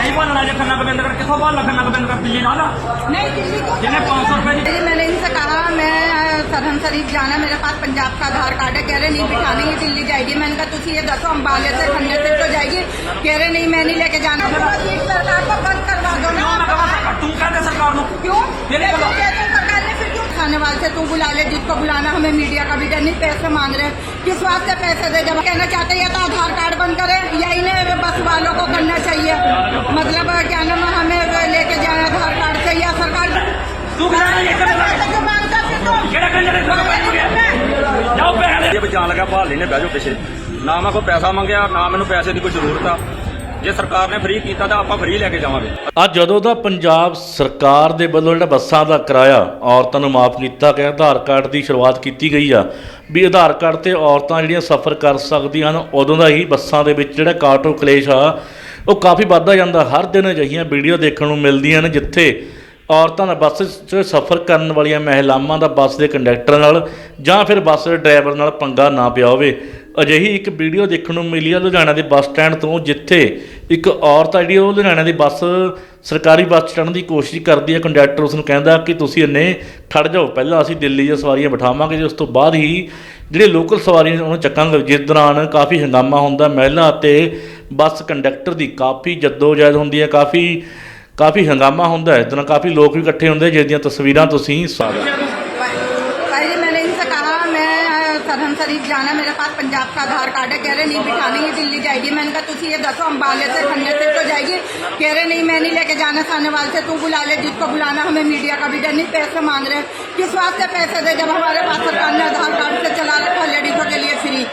नहीं बोलना जो खन्ना गोविंदगढ़ किसको बोलना खन्ना गोविंदगढ़ दिल्ली ना नहीं दिल्ली को जिन्हें 500 रुपए जी मैंने इनसे कहा मैं सरहन शरीफ जाना, मेरे पास पंजाब का आधार कार्ड है। कह रहे नहीं बिठानी, ये दिल्ली जाएगी। मैंने कहा तुझे ये दसो अम्बाले से खन्ने से तो जाएगी। कह रहे नहीं मैं नहीं लेके जाना। सरकार को बंद करवा दो ना। तू कहते सरकार को क्यों मेरे को सरकार ने फिर क्यों खाने वाले से तू बुला ले, जिसको बुलाना, हमें मीडिया का भी डर नहीं। पैसे मांग रहे किस वास्ते पैसे दे? जब कहना चाहते हैं तो आधार कार्ड बंद करे या इन्हें बस वालों को करना चाहिए। मतलब क्या नाम हमें लेके जाए आधार कार्ड से या सरकार तू जान लगा भाल ने बह जाओ पिछे ना मैं कोई पैसा मंगया ना मैंने पैसे की कोई जरूरत आ। ਜੇ ਸਰਕਾਰ ਨੇ ਫ੍ਰੀ ਕੀਤਾ ਤਾਂ ਆਪਾਂ ਫ੍ਰੀ ਲੈ ਕੇ ਜਾਵਾਂਗੇ। ਅੱਜ ਜਦੋਂ ਦਾ ਪੰਜਾਬ ਸਰਕਾਰ ਦੇ ਵੱਲੋਂ ਜਿਹੜਾ ਬੱਸਾਂ ਦਾ ਕਿਰਾਇਆ ਔਰਤਾਂ ਨੂੰ ਮਾਫ ਕੀਤਾ ਗਿਆ, ਆਧਾਰ ਕਾਰਡ ਦੀ ਸ਼ੁਰੂਆਤ ਕੀਤੀ ਗਈ ਆ ਵੀ ਆਧਾਰ ਕਾਰਡ ਤੇ ਔਰਤਾਂ ਜਿਹੜੀਆਂ ਸਫ਼ਰ ਕਰ ਸਕਦੀਆਂ ਹਨ, ਉਦੋਂ ਦਾ ਹੀ ਬੱਸਾਂ ਦੇ ਵਿੱਚ ਜਿਹੜਾ ਕਾਟੋ ਕਲੇਸ਼ ਆ ਉਹ ਕਾਫੀ ਵੱਧਦਾ ਜਾਂਦਾ। ਹਰ ਦਿਨ ਅਜਿਹੀਆਂ ਵੀਡੀਓ ਦੇਖਣ ਨੂੰ ਮਿਲਦੀਆਂ ਨੇ ਜਿੱਥੇ ਔਰਤਾਂ ਦਾ ਬੱਸ 'ਚ ਸਫ਼ਰ ਕਰਨ ਵਾਲੀਆਂ ਮਹਿਲਾਵਾਂ ਦਾ ਬੱਸ ਦੇ ਕੰਡਕਟਰ ਨਾਲ ਜਾਂ ਫਿਰ ਬੱਸ ਦੇ ਡਰਾਈਵਰ ਨਾਲ ਪੰਗਾ ਨਾ ਪਿਆ ਹੋਵੇ। ਅਜਿਹੀ ਇੱਕ ਵੀਡੀਓ ਦੇਖਣ ਨੂੰ ਮਿਲੀ ਆ ਲੁਧਿਆਣਾ ਦੇ ਬੱਸ ਸਟੈਂਡ ਤੋਂ, ਜਿੱਥੇ ਇੱਕ ਔਰਤ ਆ ਜਿਹੜੀ ਉਹ ਲੁਧਿਆਣਾ ਦੀ ਬੱਸ ਸਰਕਾਰੀ ਬੱਸ ਚੜ੍ਹਨ ਦੀ ਕੋਸ਼ਿਸ਼ ਕਰਦੀ ਹੈ। ਕੰਡਕਟਰ ਉਸ ਨੂੰ ਕਹਿੰਦਾ ਕਿ ਤੁਸੀਂ ਇੰਨੇ ਖੜ੍ਹ ਜਾਓ, ਪਹਿਲਾਂ ਅਸੀਂ ਦਿੱਲੀ ਦੀਆਂ ਸਵਾਰੀਆਂ ਬਿਠਾਵਾਂਗੇ, ਉਸ ਤੋਂ ਬਾਅਦ ਹੀ ਜਿਹੜੇ ਲੋਕਲ ਸਵਾਰੀਆਂ ਉਹਨੂੰ ਚੱਕਾਂਗੇ। ਜਿਸ ਦੌਰਾਨ ਕਾਫੀ ਹੰਗਾਮਾ ਹੁੰਦਾ, ਮਹਿਲਾ ਅਤੇ ਬੱਸ ਕੰਡਕਟਰ ਦੀ ਕਾਫੀ ਜੱਦੋ-ਜਹਿਦ ਹੁੰਦੀ ਹੈ, ਕਾਫੀ ਹੰਗਾਮਾ ਹੁੰਦਾ ਹੈ। ਇਸ ਤਰ੍ਹਾਂ ਕਾਫੀ ਲੋਕ ਵੀ ਇਕੱਠੇ ਹੁੰਦੇ ਜਿਸ ਦੀਆਂ ਤਸਵੀਰਾਂ ਤੁਸੀਂ पहले मैंने इनसे कहा मैं सरहन शरीफ जाना, मेरे पास पंजाब का आधार कार्ड है। कह रहे नहीं बिठानी, ये दिल्ली जाएगी। मैंने कहा तुझे ये दसो अम्बाले से खन्ने से तो जाएगी। कह रहे नहीं मैं नहीं लेके जाना, खाने वाले से तू बुला ले, जिसको बुलाना, हमें मीडिया का भी डर नहीं। पैसे मांग रहे किस वास्ते पैसे दे जब हमारे पास सरकार ने आधार कार्ड से चला रखा लेडीजों के लिए फ्री।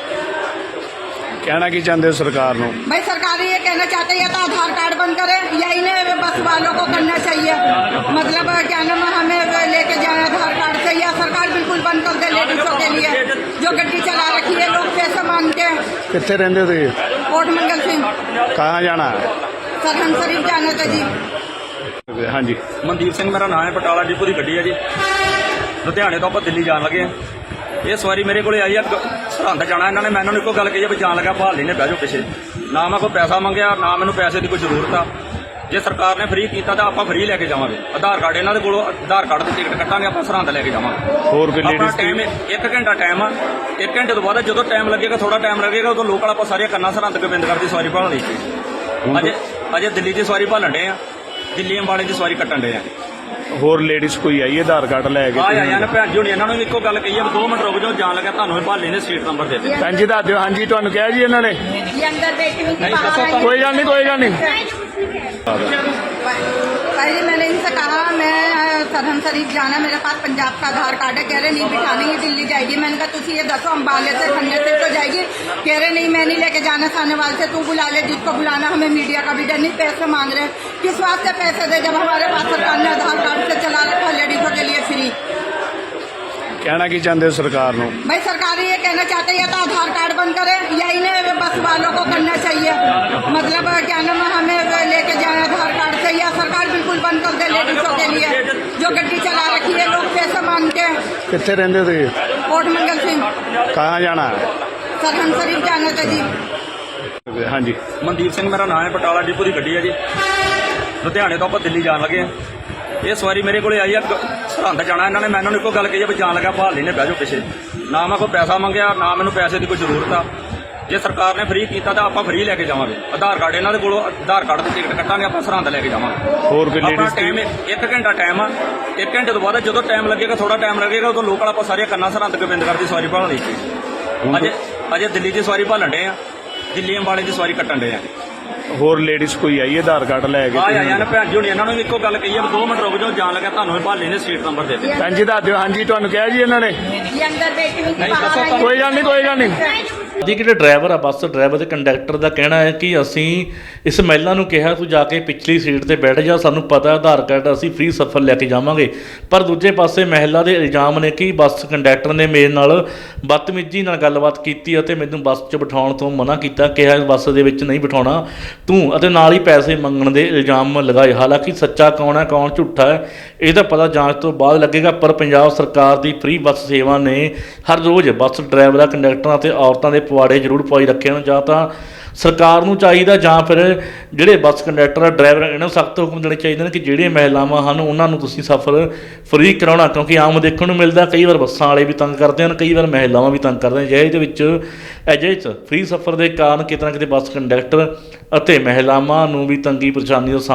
कहना की चाहते हो सरकार को? भाई सरकार ये कहना चाहते हैं तो आधार कार्ड बंद करे या इन्हें बस वालों को करना चाहिए। मतलब क्या नाम हमें लेके जाए आधार कार्ड से या सरकार बिल्कुल बंद कर दे लेडीजों के लिए जो गड्डी चला रखी है। लोग पैसे मांगते हैं। कितने रहते थे? कोट मंगल सिंह। कहाँ जाना है? सरहन शरीफ जाना था जी। हाँ जी, ਮਨਦੀਪ ਸਿੰਘ ਮੇਰਾ ਨਾਮ ਹੈ, ਬਟਾਲਾ ਡਿਪੂ ਦੀ ਗੱਡੀ ਹੈ ਜੀ। ਲੁਧਿਆਣੇ ਤੋਂ ਆਪਾਂ ਦਿੱਲੀ ਜਾਣ ਲੱਗੇ ਆ। ਇਹ ਸਵਾਰੀ ਮੇਰੇ ਕੋਲੇ ਆਈ ਆ ਸਰਹੰਦ ਜਾਣਾ। ਇਹਨਾਂ ਨੇ ਮੈਨੂੰ ਇੱਕੋ ਗੱਲ ਕਹੀ ਆ ਵੀ ਜਾਣ ਲੱਗਾ ਭਾਲ ਨੇ ਬਹਿ ਜਾਓ ਪਿੱਛੇ। ਨਾ ਮੈਂ ਕੋਈ ਪੈਸਾ ਮੰਗਿਆ ਨਾ ਮੈਨੂੰ ਪੈਸੇ ਦੀ ਕੋਈ ਜ਼ਰੂਰਤ ਆ। ਜੇ ਸਰਕਾਰ ਨੇ ਫ੍ਰੀ ਕੀਤਾ ਤਾਂ ਆਪਾਂ ਫ੍ਰੀ ਲੈ ਕੇ ਜਾਵਾਂਗੇ। ਆਧਾਰ ਕਾਰਡ ਇਹਨਾਂ ਦੇ ਕੋਲੋਂ ਆਧਾਰ ਕਾਰਡ ਦੀ ਟਿਕਟ ਕੱਟਾਂਗੇ, ਆਪਾਂ ਸਰਹੰਦ ਲੈ ਕੇ ਜਾਵਾਂਗੇ। ਹੋਰ ਕੋਈ ਆਪਣਾ ਲੇਡੀਜ਼ ਟਾਈਮ 1 ਘੰਟਾ ਟਾਈਮ ਆ। 1 ਘੰਟੇ ਤੋਂ ਬਾਅਦ ਜਦੋਂ ਟਾਈਮ ਲੱਗੇਗਾ, ਥੋੜਾ ਟਾਈਮ ਲੱਗੇਗਾ, ਉਦੋਂ ਲੋਕਲ ਆਪਾਂ ਸਾਰੀਆਂ ਕਰਨਾ ਸਰਹੰਦ ਗੋਬਿੰਦਗੜ੍ਹ ਦੀ ਸਵਾਰੀ ਭਾਲਣੀ। ਅਜੇ ਦਿੱਲੀ ਦੀ ਸਵਾਰੀ ਭਾਲਣ ਡੇ ਆ, ਦਿੱਲੀ ਅੰਬਾਲੇ ਦੀ ਸਵਾਰੀ ਕੱਟਣ ਡੇ ਆ। ਹੋਰ ਲੇਡੀਜ਼ ਕੋਈ ਆਈ ਆਧਾਰ ਕਾਰਡ ਲੈ ਕੇ? ਆਇਆ ਨਾ ਭੈਣ ਜੀ ਹੁਣ ਇਹਨਾਂ ਨੂੰ ਵੀ ਇੱਕੋ ਗੱਲ ਕਹੀ ਆ 2 ਮਿੰਟ ਰੁਕ ਜਾਓ, ਜਾਣ ਲੱਗਾ ਤੁਹਾਨੂੰ ਇਹ ਭਾਲੇ ਨੇ ਸੀਟ ਨੰਬਰ ਦੇ ਦਿੱਤੇ। ਭੈਣ ਜੀ ਦੱਸ ਦਿਓ। ਹਾਂਜੀ ਤੁਹਾਨੂੰ ਕਿਹਾ ਜੀ ਇਹਨਾਂ ਨੇ? ये अंदर बैठी हुई थी, नहीं, बाहर आई। कोई गल नहीं, कोई गल नहीं। पहले मैंने इनसे कहा मैं सरहन शरीफ जाना, मेरे पास पंजाब का आधार कार्ड है। कह रहे नहीं बिठानी, ये दिल्ली जाएगी। मैंने कहा तुझे ये दसो अम्बाले से खन्ने से तो जाएगी। कह रहे नहीं मैं नहीं लेके जाना, खाने वाले से तू बुला ले, जिसको बुलाना, हमें मीडिया का भी डर नहीं। पैसे मांग रहे किस वास्ते पैसे दे जब हमारे पास सरकार ने आधार कार्ड से चला रखा लेडीजों के लिए फ्री। कहना की चाहते हो सरकार को? भाई सरकार ये कहना चाहते हैं तो आधार कार्ड बंद करे या इन्हें बस वालों को करना चाहिए। मतलब क्या नाम हमें लेके जाए आधार कार्ड से या सरकार बिल्कुल बंद कर दे लेडीजों के लिए जो गड्डी चला रखी है। लोग पैसे मांगते हैं। कितने रहते थे? कोट मंगल सिंह। कहाँ जाना है? सरहन शरीफ जाना था जी। हाँ जी, ਮਨਦੀਪ ਸਿੰਘ ਮੇਰਾ ਨਾਮ ਹੈ, ਬਟਾਲਾ ਡਿਪੂ ਦੀ ਗੱਡੀ ਹੈ ਜੀ। ਲੁਧਿਆਣੇ ਤੋਂ ਆਪਾਂ ਦਿੱਲੀ ਜਾਣ ਲੱਗੇ ਆ। ਇਹ ਸਵਾਰੀ ਮੇਰੇ ਕੋਲੇ ਆਈ ਆ ਸਰਹੰਦ ਜਾਣਾ। ਇਹਨਾਂ ਨੇ ਮੈਨੂੰ ਇੱਕੋ ਗੱਲ ਕਹੀ ਆ ਵੀ ਜਾਣ ਲੱਗਾ ਭਾਲ ਨੇ ਬਹਿ ਜਾਓ ਪਿੱਛੇ। ਨਾ ਮੈਂ ਕੋਈ ਪੈਸਾ ਮੰਗਿਆ ਨਾ ਮੈਨੂੰ ਪੈਸੇ ਦੀ ਕੋਈ ਜ਼ਰੂਰਤ ਆ। ਜੇ ਸਰਕਾਰ ਨੇ ਫ੍ਰੀ ਕੀਤਾ ਤਾਂ ਆਪਾਂ ਫ੍ਰੀ ਲੈ ਕੇ ਜਾਵਾਂਗੇ। ਆਧਾਰ ਕਾਰਡ ਇਹਨਾਂ ਦੇ ਕੋਲੋਂ ਆਧਾਰ ਕਾਰਡ ਦੀ ਟਿਕਟ ਕੱਟਾਂਗੇ, ਆਪਾਂ ਸਰਹੰਦ ਲੈ ਕੇ ਜਾਵਾਂਗੇ। ਹੋਰ ਕੋਈ ਆਪਣਾ ਲੇਡੀਜ਼ ਟਾਈਮ 1 ਘੰਟਾ ਟਾਈਮ ਆ। 1 ਘੰਟੇ ਤੋਂ ਬਾਅਦ ਜਦੋਂ ਟਾਈਮ ਲੱਗੇਗਾ, ਥੋੜਾ ਟਾਈਮ ਲੱਗੇਗਾ, ਉਦੋਂ ਲੋਕਲ ਆਪਾਂ ਸਾਰੀਆਂ ਕਰਨਾ ਸਰਹੰਦ ਗੋਬਿੰਦਗੜ੍ਹ ਦੀ ਸਵਾਰੀ ਭਾਲਣੀ। ਅਜੇ ਦਿੱਲੀ ਦੀ ਸਵਾਰੀ ਭਾਲਣ ਡੇ ਆ, ਦਿੱਲੀ ਅੰਬਾਲੇ ਦੀ ਸਵਾਰੀ ਕੱਟਣ ਡੇ ਆ। ਹੋਰ ਲੇਡੀਜ਼ ਕੋਈ ਆਈ ਆਧਾਰ ਕਾਰਡ ਲੈ ਕੇ? ਆਇਆ ਨਾ ਭੈਣ ਜੀ ਹੁਣ ਇਹਨਾਂ ਨੂੰ ਵੀ ਇੱਕੋ ਗੱਲ ਕਹੀ ਆ 2 ਮਿੰਟ ਰੁਕ ਜਾਓ, ਜਾਣ ਲੱਗਾ ਤੁਹਾਨੂੰ ਇਹ ਭਾਲੇ ਨੇ ਸੀਟ ਨੰਬਰ ਦੇ ਦਿੱਤੇ। ਭੈਣ ਜੀ ਦੱਸ ਦਿਓ। ਹਾਂਜੀ ਤੁਹਾਨੂੰ ਕਿਹਾ ਜੀ ਇਹਨਾਂ ਨੇ? ये अंदर बैठी हुई थी, बाहर आई। कोई गल नहीं, कोई गल नहीं। ਦੀ ਜਿਹੜੇ ਡਰਾਈਵਰ ਆ ਬੱਸ ਡਰਾਈਵਰ ਤੇ ਕੰਡਕਟਰ ਦਾ ਕਹਿਣਾ ਹੈ ਕਿ ਅਸੀਂ ਇਸ ਮਹਿਲਾ ਨੂੰ ਕਿਹਾ ਤੂੰ ਜਾ ਕੇ ਪਿਛਲੀ ਸੀਟ ਤੇ ਬੈਠ ਜਾ, ਸਾਨੂੰ ਪਤਾ ਆਧਾਰ ਕਾਰਡ ਅਸੀਂ ਫ੍ਰੀ ਸਫ਼ਰ ਲੈ ਕੇ ਜਾਵਾਂਗੇ। ਪਰ ਦੂਜੇ ਪਾਸੇ ਮਹਿਲਾ ਦੇ ਇਲਜ਼ਾਮ ਨੇ ਕਿ ਬੱਸ ਕੰਡਕਟਰ ਨੇ ਮੇਰੇ ਨਾਲ ਬਦਤਮੀਜ਼ੀ ਨਾਲ ਗੱਲਬਾਤ ਕੀਤੀ ਅਤੇ ਮੈਨੂੰ ਬੱਸ 'ਚ ਬਿਠਾਉਣ ਤੋਂ ਮਨਾ ਕੀਤਾ, ਕਿਹਾ ਬੱਸ ਦੇ ਵਿੱਚ ਨਹੀਂ ਬਿਠਾਉਣਾ ਤੂੰ, ਅਤੇ ਨਾਲ ਹੀ ਪੈਸੇ ਮੰਗਣ ਦੇ ਇਲਜ਼ਾਮ ਲਗਾਏ। ਹਾਲਾਂਕਿ ਸੱਚਾ ਕੌਣ ਹੈ ਕੌਣ ਝੂਠਾ ਹੈ ਇਹਦਾ ਪਤਾ ਜਾਂਚ ਤੋਂ ਬਾਅਦ ਲੱਗੇਗਾ। ਪਰ ਪੰਜਾਬ ਸਰਕਾਰ ਦੀ ਫ੍ਰੀ ਬੱਸ ਸੇਵਾ ਨੇ ਹਰ ਰੋਜ਼ ਬੱਸ ਡਰਾਈਵਰਾਂ ਕੰਡਕਟਰਾਂ ਅਤੇ ਔਰਤਾਂ ਦੇ ਪਵਾੜੇ ਜ਼ਰੂਰ ਪਵਾਈ ਰੱਖੇ ਹਨ। ਜਾਂ ਤਾਂ ਸਰਕਾਰ ਨੂੰ ਚਾਹੀਦਾ ਜਾਂ ਫਿਰ ਜਿਹੜੇ ਬੱਸ ਕੰਡਕਟਰ ਡਰਾਈਵਰ ਇਹਨਾਂ ਨੂੰ ਸਖਤ ਹੁਕਮ ਦੇਣੇ ਚਾਹੀਦੇ ਨੇ ਕਿ ਜਿਹੜੀਆਂ ਮਹਿਲਾਵਾਂ ਹਨ ਉਹਨਾਂ ਨੂੰ ਤੁਸੀਂ ਸਫ਼ਰ ਫ੍ਰੀ ਕਰਾਉਣਾ, ਕਿਉਂਕਿ ਆਮ ਦੇਖਣ ਨੂੰ ਮਿਲਦਾ ਕਈ ਵਾਰ ਬੱਸਾਂ ਵਾਲੇ ਵੀ ਤੰਗ ਕਰਦੇ ਹਨ, ਕਈ ਵਾਰ ਮਹਿਲਾਵਾਂ ਵੀ ਤੰਗ ਕਰਦੇ ਹਨ। ਜਿਹੇ ਦੇ ਵਿੱਚ ਅਜਿਹੇ 'ਚ ਫ੍ਰੀ ਸਫ਼ਰ ਦੇ ਕਾਰਨ ਕਿਤੇ ਨਾ ਕਿਤੇ ਬੱਸ ਕੰਡਕਟਰ ਅਤੇ ਮਹਿਲਾਵਾਂ ਨੂੰ ਵੀ ਤੰਗੀ ਪਰੇਸ਼ਾਨੀ ਦਾ